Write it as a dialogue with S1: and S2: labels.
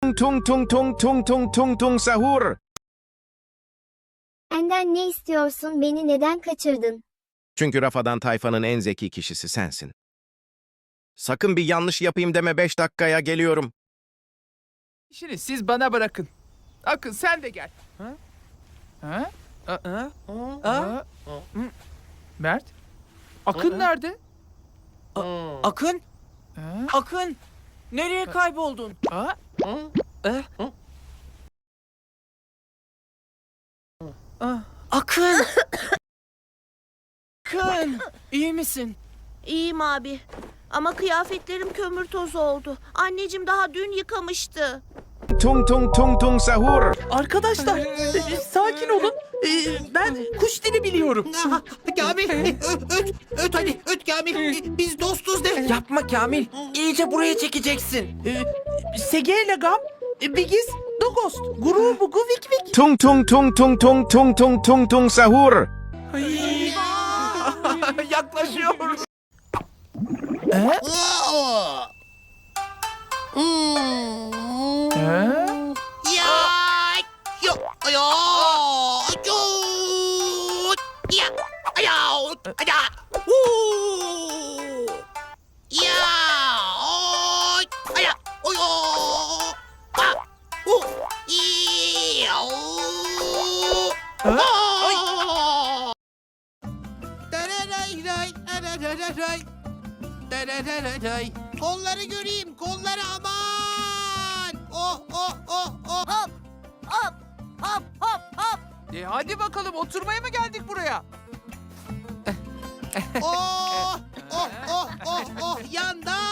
S1: Tung tung tung tung tung tung tung sahur.
S2: Benden ne istiyorsun? Beni neden kaçırdın?
S1: Çünkü Rafadan tayfanın en zeki kişisi sensin. Sakın bir yanlış yapayım deme, 5 dakikaya geliyorum.
S3: İşini siz bana bırakın. Akın sen de gel. Ha? Ha? Ha? Ha? Mert? Akın nerede?
S4: Akın?
S3: Ha?
S4: Akın! Nereye kayboldun?
S3: Ha?
S4: Akın! Akın! İyi misin?
S5: İyiyim abi. Ama kıyafetlerim kömür tozu oldu. Anneciğim daha dün yıkamıştı.
S1: Tung tung tung tung sahur.
S4: Arkadaşlar, sakin olun. Ben kuş dili biliyorum.
S6: Kamil, öt hadi, öt Kamil. Biz dostuz de.
S4: Yapma Kamil. İyice buraya çekeceksin. Segeyle Gam, Bigiz, Dogost, Guru Bugu Vik Vik.
S1: Tung tung tung tung tung tung tung tung tung sahur.
S4: Yaklaşıyor.
S6: Ya, yo, yo, yo, ya, ya, ya, ya, ya, oyo, Kolları göreyim, kolları aman! Oh, oh, oh, oh!
S5: Hop hop hop hop hop.
S3: Hadi bakalım, oturmaya mı geldik buraya?
S6: Oh, oh, oh, oh, oh! Yandan!